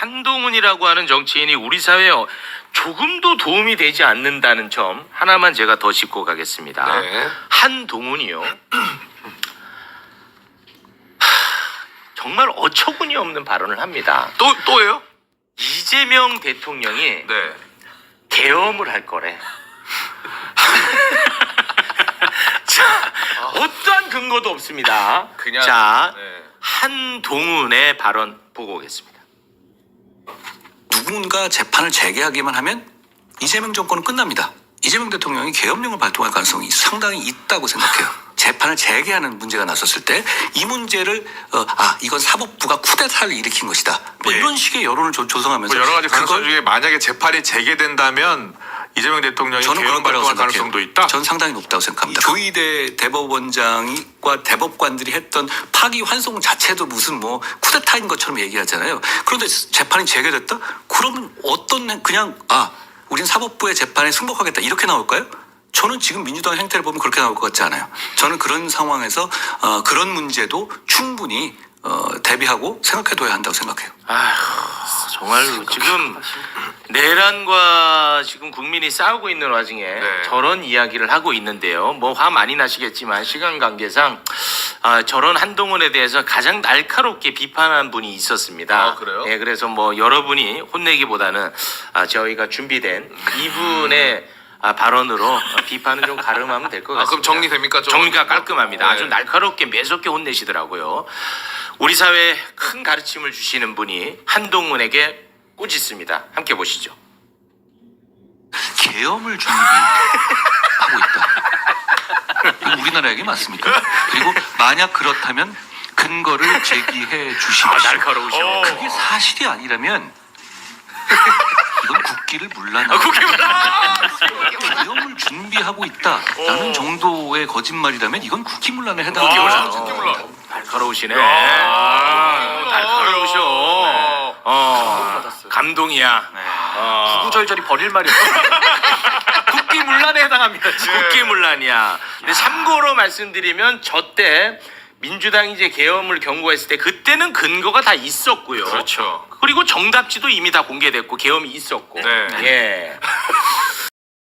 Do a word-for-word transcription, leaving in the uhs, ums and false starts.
한동훈이라고 하는 정치인이 우리 사회에 조금도 도움이 되지 않는다는 점 하나만 제가 더 짚고 가겠습니다. 네. 한동훈이요. 정말 어처구니 없는 발언을 합니다. 또 또예요? 이재명 대통령이 네. 계엄을 할 거래. 자, 어떠한 근거도 없습니다. 그냥 자, 네. 한동훈의 발언 보고 오겠습니다. 누군가 재판을 재개하기만 하면 이재명 정권은 끝납니다. 이재명 대통령이 계엄령을 발동할 가능성이 상당히 있다고 생각해요. 재판을 재개하는 문제가 나섰을 때 이 문제를 어, 아 이건 사법부가 쿠데타를 일으킨 것이다. 뭐 예. 이런 식의 여론을 조, 조성하면서 뭐 여러 가지 가능성 그걸 중에 만약에 재판이 재개된다면 이재명 대통령이 저는 계엄 그런 거라고 발동할 생각해요. 가능성도 있다. 전 상당히 높다고 생각합니다. 조희대 대법원장과 대법관들이 했던 파기 환송 자체도 무슨 뭐 쿠데타인 것처럼 얘기하잖아요. 그런데 재판이 재개됐다? 그러면 어떤 그냥 아 우린 사법부의 재판에 승복하겠다 이렇게 나올까요? 저는 지금 민주당 행태를 보면 그렇게 나올 것 같지 않아요. 저는 그런 상황에서 어, 그런 문제도 충분히 어, 대비하고 생각해둬야 한다고 생각해요. 아휴, 정말 지금 내란과 지금 국민이 싸우고 있는 와중에 네. 저런 이야기를 하고 있는데요. 뭐 화 많이 나시겠지만 시간 관계상 아, 저런 한동훈에 대해서 가장 날카롭게 비판한 분이 있었습니다. 아, 그래요? 네, 그래서 뭐 여러분이 혼내기보다는 아, 저희가 준비된 이분의 아, 발언으로 비판은 좀 가름하면 될 것 아, 같습니다. 그럼 정리됩니까? 좀? 정리가 깔끔합니다. 네. 아주 날카롭게 매섭게 혼내시더라고요. 우리 사회에 큰 가르침을 주시는 분이 한동훈에게 꾸짖습니다. 함께 보시죠. 계엄을 준비하고 있다. 이거 우리나라 얘기 맞습니까? 그리고 만약 그렇다면 근거를 제기해 주십시오. 아, 날카로우셔. 어. 그게 사실이 아니라면 이건 국기를 물란 아, 국회의원. 계엄을 준비하고 있다라는 오. 정도의 거짓말이라면 이건 국기문란에 아, 해당합니다. 국기문란. 날카로우시네. 야. 아, 날카로우셔. 네. 어, 감동이야. 어. 구구절절이 버릴 말이 없어. 국기문란에 해당합니다. 국기문란이야. 근데 참고로 말씀드리면 저 때 민주당이 이제 계엄을 경고했을 때 그때는 근거가 다 있었고요. 그렇죠. 그리고 정답지도 이미 다 공개됐고 계엄이 있었고. 네. 예.